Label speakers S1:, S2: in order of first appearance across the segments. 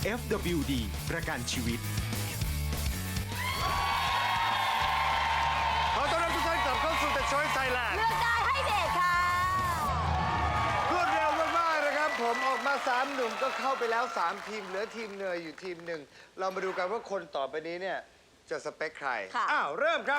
S1: FWD ประกันชีวิต
S2: ขอต้อนรับทุกท่านกลับเข้าสู่ The Choice Thailand
S3: เลือกได้ให้เด็กค่ะ
S2: รวดเร็วมากๆนะครับผมออกมา3หนุ่มก็เข้าไปแล้ว3ทีมเหลือทีมเนยอยู่ทีมหนึ่งเรามาดูกันว่าคนต่อไปนี้เนี่ยจะสเปคใคร
S3: ค่ะ
S2: อ้าวเริ่มครับ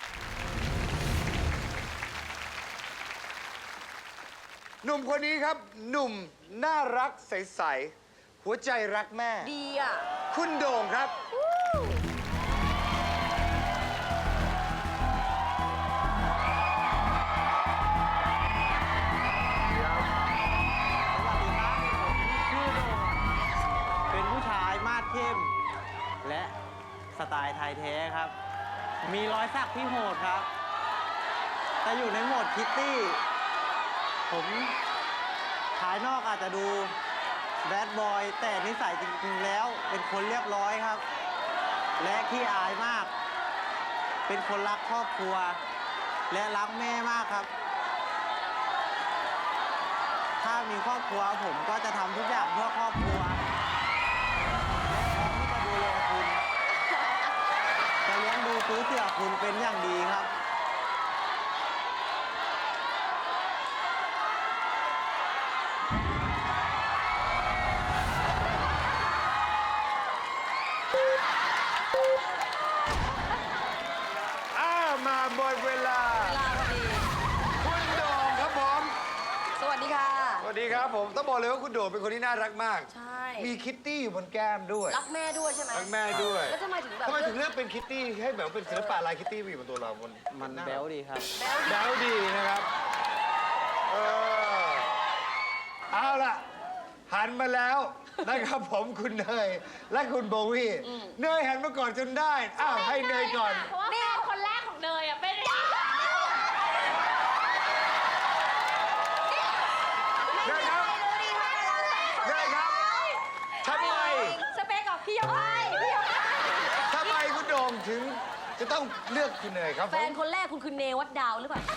S2: หนุ่มคนนี้ครับหนุ่มน่ารักใสๆหัวใจรักแม่
S3: ดีอ่ะ
S2: คุณโด่งครับ
S4: เป็นผู้ชายมาดเข้ม และสไตล์ไทยแท้ครับ มีรอยสักที่โหดครับ แต่อยู่ในโหมดคิตตี้ ผมภายนอกอาจจะดูแบดบอยแต่นิสัยจริงๆแล้วเป็นคนเรียบร้อยครับ และขี้อายมาก เป็นคนรักครอบครัว และรักแม่มากครับ ถ้ามีครอบครัวผมก็จะทำทุกอย่างเพื่อครอบครัว และพร้อมที่จะดูแลคุณ จะเลี้ยงดูซื้อเสื้อคุณเป็นอย่างดีครับ
S2: มาหมดเวลา
S3: เวลาพอดี
S2: คุณโด่งครับผม
S3: สวัสดีค่ะ
S2: สวัสดีครับผมต้องบอกเลยว่าคุณโด่งเป็นคนที่น่ารักมาก
S3: ใช่
S2: มีคิตตี้อยู่บนแก้มด้วย
S3: รักแม่ด้วยใช่ไหม
S2: รักแม่ด้วย
S3: แล้วทำไมถึงแบบ
S2: ทำไมถึงเลือกเป็นคิตตี้ให้แบบเป็นศิลปะลายคิตตี้มาอยู่บนตัวเราบน
S4: มันแบ๊วดีครับ
S3: แบ๊ว
S2: แบ๊วดีนะครับเออเอาล่ะ หันมาแล้วนะครับผมคุณเนยและคุณโบวี่เนยหันมาก่อนจนได้อ้าวให้เนยก่อน
S5: เพราะว่าแฟนคนแรกของเนยอ่ะเป็น
S2: เนยครับเนยครับทำไม
S5: สเปคกับพี่ยกให้พี่ยกให้
S2: ทำไมคุณโด่งถึงจะต้องเลือกคุณเนยครับผ
S3: แฟน
S2: ม
S3: คนแรกคุณคือเนวัดดาวหรือเปล่า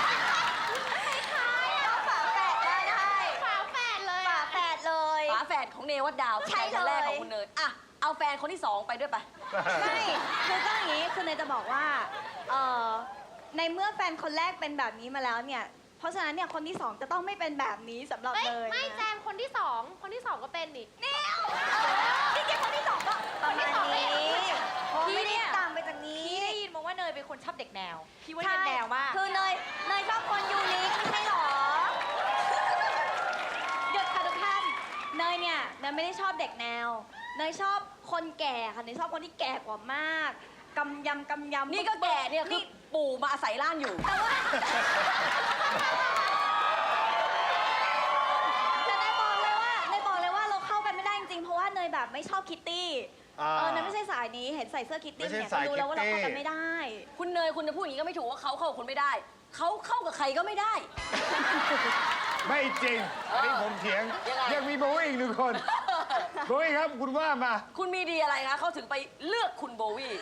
S5: ฝาแฝดเลย
S6: ฝาแฝดเลย
S3: ฝาแฝดของเนวัดดาว
S6: ใช่
S3: แฟนคนแรก
S6: เลย
S3: ของคุณเนยอ่ะเอาแฟนคนที่สองไปด้วยไป
S6: ไม่คือก็อย่างนี้คือเนยจะบอกว่าเอ่อในเมื่อแฟนคนแรกเป็นแบบนี้มาแล้วเนี่ย เพราะฉะนั้นเนี่ยคนที่สองจะต้องไม่เป็นแบบนี้สำหรับ
S5: ไม่
S6: เนย
S5: ไม่
S6: นะ
S5: แจมคนที่สองก็เป็นนี่
S6: เนี่ยที่แกคนที่สองก็ประมาณนี้พี่ไม่ได้ตามไปจากนี้
S5: พี่ได้ยินมาว่าเนยเป็นคนชอบเด็กแนวพี่ว่าเน
S6: ใช่
S5: ยแนวมาก
S6: คือเนยชอบคนยูนิคไม่ใช่หรอหยุดค่ะทุกท่านเนยเนี่ยเนยไม่ได้ชอบเด็กแนวเนยชอบคนแก่ค่ะเนยชอบคนที่แก่กว่ามากกำยำ
S3: นี่ก็แก่เนี่ยคือปู่มาอาศัยร่างอยู่
S6: แต่ว่าแต่เนยบอกเลยว่าเราเข้ากันไม่ได้จริงๆเพราะว่าเนยแบบไม่ชอบคิตตี้เนยไม่ใช่สายนี้เห็นใส่เสื้อคิตตี้เนี่ยก็รู้แล้วว่าเราเข้ากันไม่ได้
S3: คุณเนยคุณจะพูดอย่างนี้ก็ไม่ถูกว่าเขาเข้ากับคุณไม่ได้ เขาเข้ากับใครก็ไม่ได้
S2: ไม่จริงอันนี้ผมเถียง
S3: ยังไง
S2: ยังมีโบวี่อีกหนึ่งคนโบวี่ครับคุณว่ามา
S3: คุณมีดีอะไรคะเขาถึงไปเลือกคุณโบวี่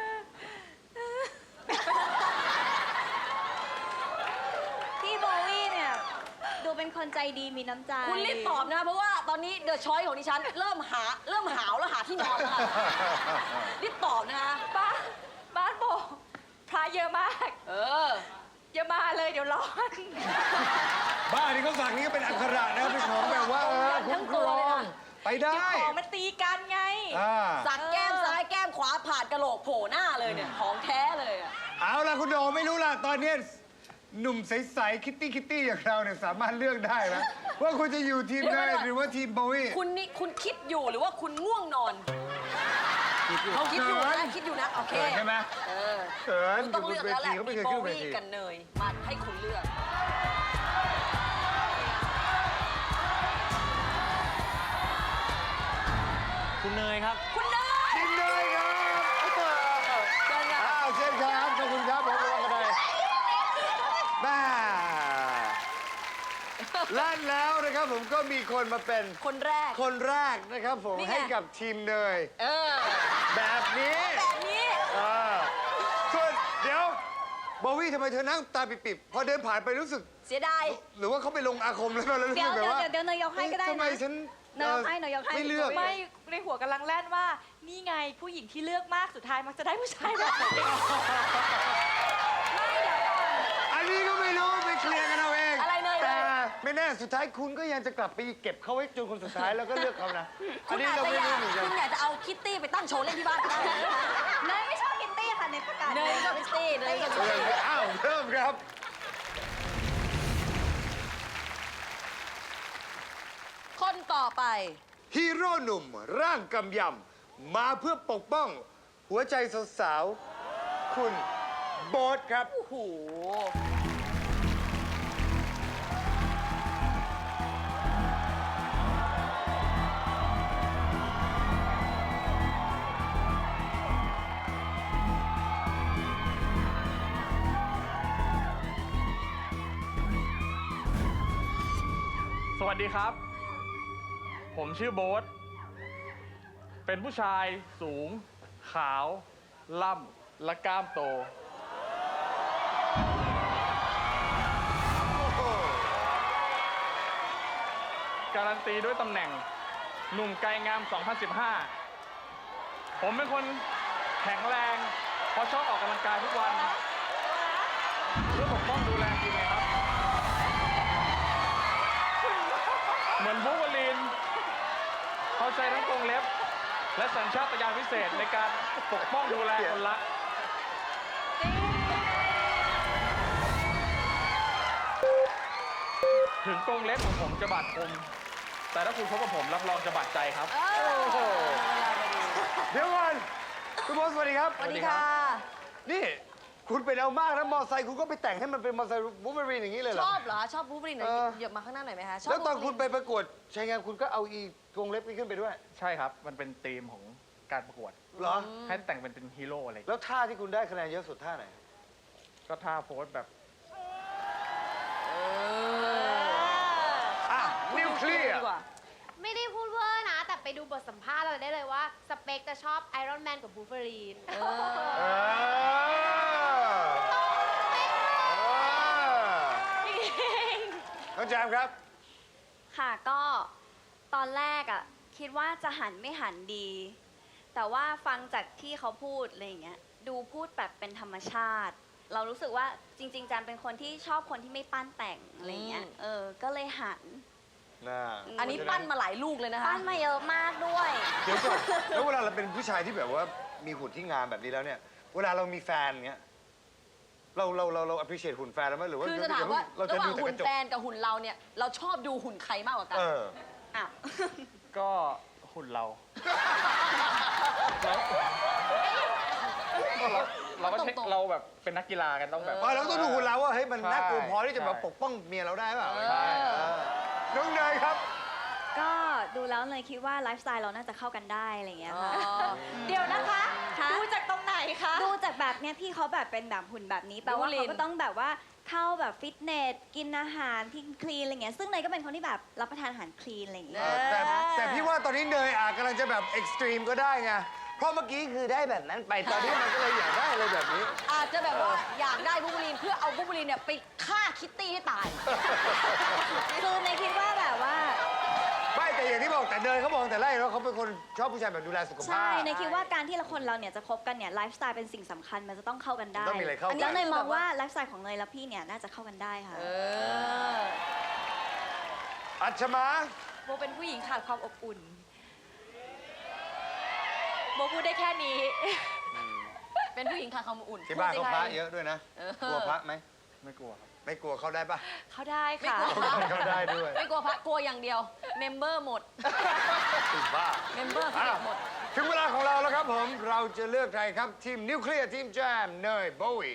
S6: พี่โบวี่เนี่ยดูเป็นคนใจดีมีน้ำใจ
S3: คุณรีบตอบนะ เพราะว่าตอนนี้เดอะช้อยของดิฉันเริ่มหาวแล้วหาที่นอนแล้วค่ะรีบตอบนะคะ
S5: บ้านโบพระเยอะมาก
S3: เออ
S5: อย่ามาเลยเดี๋ยวร้อน
S2: บ้านนี้เขาสั่งนี้ก็เป็นอักขระนะครับเป็นของแบบว่าคุ้มครองไปได้
S5: ของมันตีกันไง
S2: อ่า
S3: สักแก้มซ้ายแก้มขวาผ่านกระโหลกโผล่หน้าเลยเนี่ยของแท้เลยอะ
S2: เอาล่ะคุณโดไม่รู้ล่ะตอนนี้หนุ่มใสๆคิตตี้อย่างเราเนี่ยสามารถเลือกได้นะว่าคุณจะอยู่ทีมเนยหรือว่าทีมโบวี่
S3: คุณนี่คุณคิดอยู่หรือว่าคุณง่วงนอนเขาคิดอยู่นะคิดอยู่นะโอเค
S2: เขินใช่ไหม
S3: เออ
S2: เขิน
S3: คุณต้องเลือกแล้วแหละ
S2: เขาไม่
S3: มี
S2: เคย
S3: โบ
S2: ขึ้นเว
S3: วี่
S2: ที
S3: กับเนยมาให้คุณเลือก
S4: คุณเนยครับ
S3: คุณเนย
S2: ทีมเนยครับ
S3: เชิญค่ะ
S2: อ้าวเช่นครับขอบคุณครับผมระวังกระไดบ้าลั่นแล้วนะครับผมก็มีคนมาเป็น
S3: คนแรก
S2: คนแรกนะครับผม
S3: นี่ไง
S2: ให้กับทีมเนย
S3: เออ
S2: แบบนี้
S3: แบบนี้
S2: ส่วนเดี๋ยวโบวี่ทำไมเธอนั่งตาปิบๆพอเดินผ่านไปรู้สึก
S3: เสียดาย
S2: หรือว่าเขาไปลงอาคมแล้วรู้สึ
S6: เดี๋ยว
S2: กแบบว่า
S6: เดี๋ยวเนยยกให้ก็ได้
S2: ทำไม
S6: นะ
S2: ฉัน
S6: เนยยกให้เนยยกให้
S2: ไม่เลือก
S5: ไม่ในหัวกำลังแล่นว่า นี่ไงผู้หญิงที่เลือกมากสุดท้ายมักจะได้ผู้ชายแบบนี้
S2: อันนี้ก็ไม่รู้ไปเคลียร์กันเอาเอง
S3: อะไรเนย
S2: แต่ไม่แน่สุดท้ายคุณก็ยังจะกลับไปเก็บเขาไว้จนคนสุดท้ายแล้วก็เลือกเขานะ อั
S3: คุ
S2: น
S3: ณ
S2: นี้
S3: อาจ
S2: เรา
S3: จะ
S2: ไม่
S3: อยา
S2: รู้
S3: ก
S2: เหมือนกัน
S3: คุณอยากจะเอาคิตตี้ไปตั้งโชว์เล่นที่บ้านก็ได้
S6: เนยไม่ชอบคิตตี้ค่ะเนยประกาศ
S3: เนยก็คิตตี้เนยก็คิตตี้
S2: อ้าวเริ่มครับ
S3: คนต่อไป
S2: ฮีโร่หนุ่มร่างกำยำมาเพื่อปกป้อง หัวใจสาวๆคุณโบ๊ทครับ
S3: โอ้โห
S7: สวัสดีครับ ผมชื่อโบ๊ท เป็นผู้ชายสูง ขาว ล่ำ และกล้ามโต การันตีด้วยตำแหน่ง หนุ่มไกรงาม 2015 ผมเป็นคนแข็งแรง เพราะชอบออกกำลังกายทุกวัน เพื่อปกป้องดูแลคุณไงครับ เหมือนวูล์ฟเวอรีนเขาใช้ทั้งกรงเล็บ และสัญชาตญาณพิเศษในการปกป้องดูแลคนละ ถึงกรงเล็บของผมจะบาดคม แต่ถ้าคุณพบกับผมรับรองจะบาดใจครับ
S2: เดี๋ยวก่อนคุณโบ๊ทสวัสดีครับ
S3: สวัสดีค่ะ
S2: นี่คุณเป็นเอามากนะมอไซค์คุณก็ไปแต่งให้มันเป็นมอไซค์วูล์ฟเวอรีนอย่างนี้เลยเหร
S3: ช
S2: อ
S3: อบเหรอ ชอบบูฟบรินหน่อย
S2: เออ
S3: เหยียบมาข้างหน้าหน่อยไหมคะชบ
S2: แล้วตอน
S3: บูฟ
S2: คุณไปประกวดชายงานคุณก็เอาอีกรงเล็บนี้ขึ้นไปด้วย
S7: ใช่ครับ มันเป็นธีมของการประกวด
S2: เหรอ
S7: ให้แต่งเป็นฮีโร่อะไรอย่างเงี้ย
S2: แล้วท่าที่คุณได้คะแนนเยอะสุดท่าไหน
S7: ก็ท่าโพสแบบ
S2: อ่ะ นิวเคลียร์
S3: ดีกว่า
S8: ไม่ได้พูดเวอร์นะ แต่ไปดูบทสัมภาษณ์เราได้เลยว่า สเปคจะชอบไอรอนแมนกับบูฟเฟอรีน
S2: น้องแจมครับ
S6: ค่ะก็ตอนแรกอ่ะคิดว่าจะหันไม่หันดี แต่ว่าฟังจากที่เขาพูดอะไรอย่างเงี้ยดูพูดแบบเป็นธรรมชาติ เรารู้สึกว่าจริงๆจันเป็นคนที่ชอบคนที่ไม่ปั้นแต่งอะไรอย่างเงี้ยก็เลยหัน
S3: อันนี้ปั้นมาหลายลูกเลยนะคะ
S6: ปั้นมาเยอะมากด้วย
S2: เดี๋ยวก่อนแล้วเวลาเราเป็นผู้ชายที่แบบว่ามีหุ่นที่งามแบบนี้แล้วเนี่ย เวลาเรามีแฟนเงี้ย เรา appreciate หุ่นแฟนแล้วไหมหรือว่า
S3: คือจะถามว่า
S2: เรา
S3: ระ
S2: จะ
S3: หว่า
S2: ดู
S3: ง
S2: แต่
S3: หุ่
S2: ก
S3: น
S2: ระจก
S3: แฟนกับหุ่นเราเนี่ย เราชอบดูหุ่นใครมากกว่ากัน
S6: อ้าว
S7: ก็หุ่นเรา เราก็เช็ค
S3: ตรงๆ
S7: เราแบบเป็นนักกีฬากันต้องแบบ
S2: เราต้องดูหุ่นเราว่าเฮ้ยมัน
S7: ใช่
S2: น่ากลัวพอที่จะมา
S7: ใช่
S2: ปกป้องเมียเราได้เปล่า
S7: ใช่
S2: น้องเนยครับ
S6: ก็ดูแล้วเลยคิดว่าไลฟ์สไตล์เราน่าจะเข้ากันได้อะไรอย่างเงี้ยค่ะ
S5: เดี๋ยวนะคะ
S6: คะ
S5: ดูจากตรงไหนคะ
S6: ดูจากแบบเนี้ยพี่เขาแบบเป็นแบบหุ่นแบบนี้แปลว่า
S3: ดูลีน
S6: เขาก็ต้องแบบว่าเข้าแบบฟิตเนสกินอาหารที่คลีนอะไรเงี้ยซึ่งเนยก็เป็นคนที่แบบรับประทานอาหารคลีนอะไรอย่างเงี้ย
S2: แต่พี่ว่าตอนนี้เนยกำลังจะแบบเอ็กซ์ตรีมก็ได้ไง เพราะเมื่อกี้คือได้แบบนั้นไป ตอนนี้มันก็เลยอยากได้อะไรแบบนี้
S3: อาจจะแบบว่าอยากได้บูฟบรินเพื่อเอาบูฟบรินเนี่ยไปฆ่าคิตตี้ให้ตาย
S6: คือเนยคิดว่าแบบว่า
S2: ไม่แต่อย่างที่บอกแต่เนยเขาบอกแต่แรกแล้วเขาเป็นคนชอบผู้ชายแบบดูแลสุขภาพ
S6: ใช่เนยคิดว่าการที่คนเราเนี่ยจะคบกันเนี่ยไลฟ์สไตล์เป็นสิ่งสำคัญมันจะต้องเข้ากันได้
S2: ต้องมีอะไรเข้ากัน
S6: แล้วเนยมองว่าไลฟ์สไตล์ของเนยและพี่เนี่ยน่าจะเข้ากันได้ค่ะ
S2: อัชมา
S5: โบเป็นผู้หญิงขาดความอบอุ่น โบพูดได้แค่นี้
S3: เป็นผู้หญิงขาดความอบอุ่น
S2: ที่บ้าน
S3: พู
S2: เขา
S3: ดสิ
S2: พระ
S3: ใค
S2: เยอะด้วยนะ
S3: เออ
S2: กลัวพระไหม
S7: ไม่กลัวครับ
S2: ไม่กลัวเข้าได้ปะ
S5: เขาได้
S3: ไม่
S5: ค่ะ
S3: กลัวพระ
S2: เข้าได้ด้วย
S3: ไม่กลัวพระกลัวอย่างเดียว เมมเบอร์หมด
S2: ติดบ้า
S3: เมมเบอร์เขาหมด
S2: ถึงเวลาของเราแล้วครับผม เราจะเลือกใครครับ ทีมนิวเคลียร์ทีมแจมเนยโบวี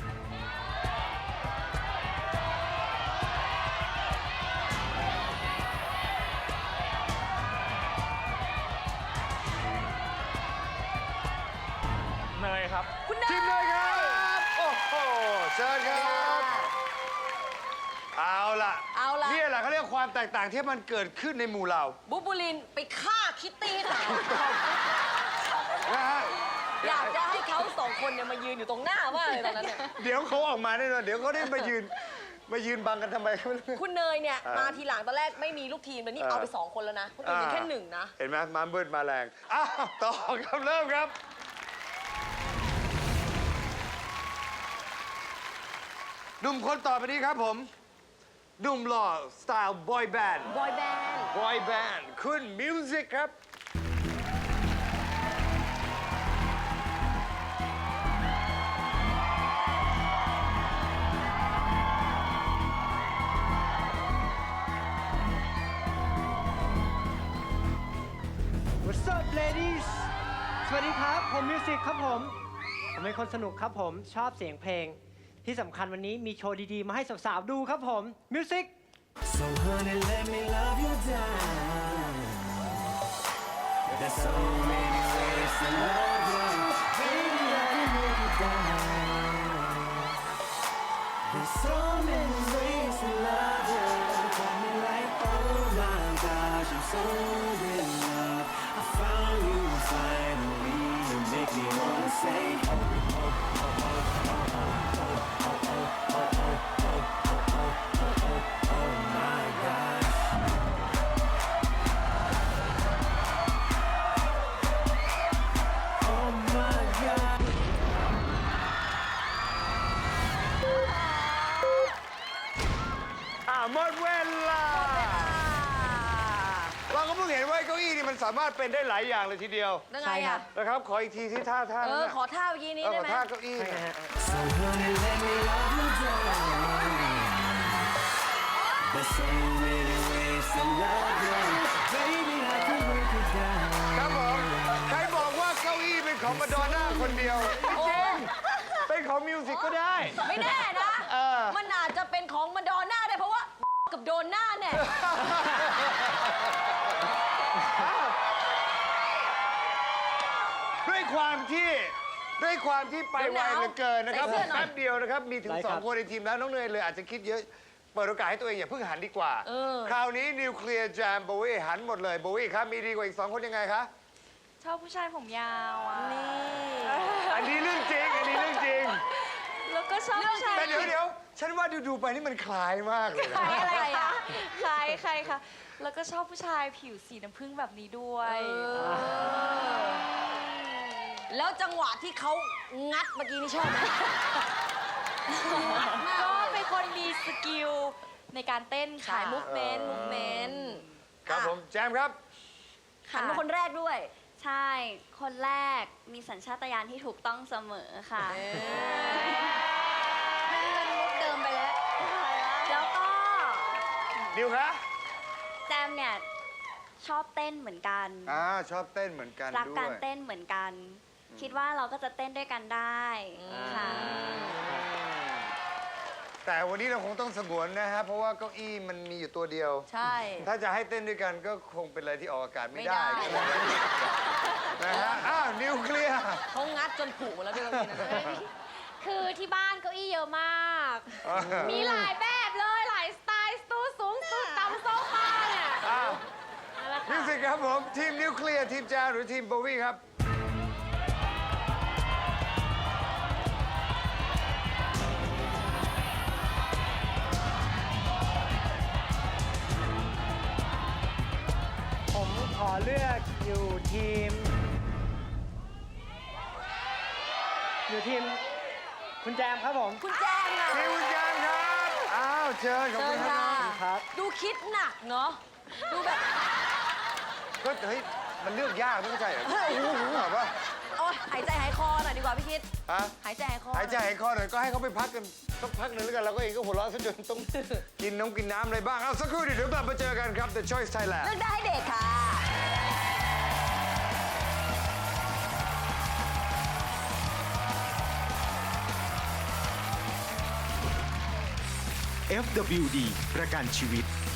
S7: เนยครับ
S3: คุณเน
S2: ทีมเนยครับ โอ้โหเชิญครับ เอาล่ะ
S3: เอาล่ะ
S2: นี่แหละเขาเรียกความแตกต่างที่มันเกิดขึ้นในหมู่เรา
S3: บูฟบรินไปฆ่าคิตตี้ให้ตาย
S2: นะฮะ
S3: อยากจะให้เขาสองคนเนี่ยมายืนอยู่ตรงหน้ามากเลยตอนนั้นเนี่ย
S2: เดี๋ยวเขาออกมาแน่นอนเดี๋ยวเขาได้มายืนบังกันทำไม
S3: คุณเนยเนี่ยมาทีหลังตอนแรกไม่มีลูกทีมเลยนี่เอาไปสองคนแล้วนะคนอื่นมีแค่หนึ่งนะ
S2: เห็นไหมมามืดมาแรงอ้าวต่อครับเริ่มครับหนุ่มคนต่อไปนี้ครับผมหนุ่มหล่อสไตล์บอยแบนด์
S3: บอยแบนด์
S2: บอยแบนด์คุณมิวสิกครับ
S9: What's up ladies สวัสดีครับ ผมมิวสิกครับผม ผมเป็นคนสนุกครับผม ชอบเสียงเพลง ที่สำคัญวันนี้มีโชว์ดีๆ มาให้สาวๆ ดูครับผม มิวสิก
S10: So honey, let me love you down. There's so many ways to love you. Baby, I can make you down. There's so many ways to love you. Got me like, oh my gosh, I'm so in love. I found you finally. You make me wanna say, oh, oh, oh, oh, oh, oh, oh, oh, oh, oh, oh my gosh. Oh my god.
S2: หมดเวลา เราก็เพิ่งเห็นว่าเก้าอี้นี่มันสามารถเป็นได้หลายอย่างเลยทีเดียว
S3: ยังไงอ่ะ
S2: นะครับ ขออีกทีที่ท่า
S3: เอ
S2: นั้น
S3: อ
S2: น่ะ
S3: ขอท่าเมื่อกี้นี้
S2: ข
S3: ได้
S2: อ
S3: ไหม
S2: ท่าเก้าอี้น่ะ
S10: So honey, let me love you down. There's so many ways to love you. Baby, I can break it down.
S2: ครับผม ใครบอกว่าเก้าอี้เป็นของมาดอนน่าคนเดียว
S3: โอ้
S2: เป็นของมิวสิกก็ได้
S3: ไม่แน่นะ
S2: เออ
S3: มันอาจจะเป็นของมาดอนน่าได้เพราะว่า กับโดนหน้าเนี่ย
S2: ด้วยความที่ไปไวเหลือเกินนะครับ
S3: ใส่เสื้อหน่อย
S2: แป๊บเดียวนะครับ มีถึง
S9: ได้ครับ
S2: 2 คนในทีมแล้วน้องเนยเลยอาจจะคิดเยอะ เปิดโอกาสให้ตัวเองอย่าเพิ่งหันดีกว่า คราวนี้นิวเคลียร์แจมโบวี่หันหมดเลยโบวี่ครับ มีดีกว่าอีก 2 คนยังไงคะ
S5: ชอบผู้ชายผมยาวอ่ะ
S2: อันนี้เรื่องจริง
S5: แล้วก็ชอบผู้ชาย
S2: แต่เดี๋ยวฉันว่าดูไปนี่มันคล้ายมากเลยนะ
S5: ใครอะไรอ่ะใครคะแล้วก็ชอบผู้ชายผิวสีน้ำผึ้งแบบนี้ด้วย
S3: แล้วจังหวะที่เขางัดเมื่อกี้นี่ชอบไหม
S5: ก็เป็นคนมีสกิลในการเต้น
S3: ขา
S5: ค่ะ
S3: ยมุกเมนต์
S2: ครับผมแจมครับ
S3: หันมาคนแรกด้วย
S6: ใช่ คนแรกมีสัญชาตญาณที่ถูกต้องเสมอค่ะ
S3: เป็นมุกเดิมไปแล้ว
S6: แล้วก็
S2: นิวคะ
S6: แจมเนี่ยชอบเต้นเหมือนกัน
S2: ชอบเต้นเหมือนกัน
S6: รัก
S2: ด้
S6: การ
S2: วย
S6: เต้นเหมือนกัน คิดว่าเราก็จะเต้นด้วยกันได้ค่ะ
S2: แต่วันนี้เราคงต้องสงวนนะฮะ เพราะว่าเก้าอี้มันมีอยู่ตัวเดียว
S3: ใช่
S2: ถ้าจะให้เต้นด้วยกันก็คงเป็นอะไรที่ออกอากาศไม่ได้
S3: ไม่ได้
S2: นะฮะ นิวเคลียร์
S3: เขางัดจนผุหมดแล้วด้วยเมื่อกี้นะ
S8: คือที่บ้านเก้าอี้เยอะมาก มีหลายแบบเลย หลายสไตล์ตู้สูงตู้ต่ำโซฟาเนี่ย เอาละ
S2: มิ
S8: ค่ะ
S2: วสิกครับผม ทีมนิวเคลียร์ ทีมแจมหรือทีมโบวี่ครับ
S9: ผมขอเลือกอยู่ทีม คุณแจมครับผม
S3: คุณแจ้งอะ
S2: ทีมคุณแจมครับ เชิญขอบ
S3: เชิ
S2: คุ
S3: ญ
S2: ณค
S3: ค่ะ
S2: รับ
S9: ครับ
S3: ดูคิดหนักเนาะ ดูแบบ
S2: ก็เฮ้ย มันเลือกยากไม่ใช่เหรอแบบว่า
S3: โอ้ยหายใจหายคอหน่อยดีกว่าพี่คิด
S2: ฮะ
S3: หายใจหายคอ
S2: หายใจหายคอหน่อยก็ให้เขาไปพักกันสักพักหนึ่งแล้วกันเราก็เองก็หัวเราะซะจนต้อง กินน้ำอะไรบ้าง เอาสักครู่เดี๋ยวกลับมาเจอกันครับ The Choice Thailand
S3: เลือกได้ให้เด็กค่ะ
S1: FWD ประกันชีวิต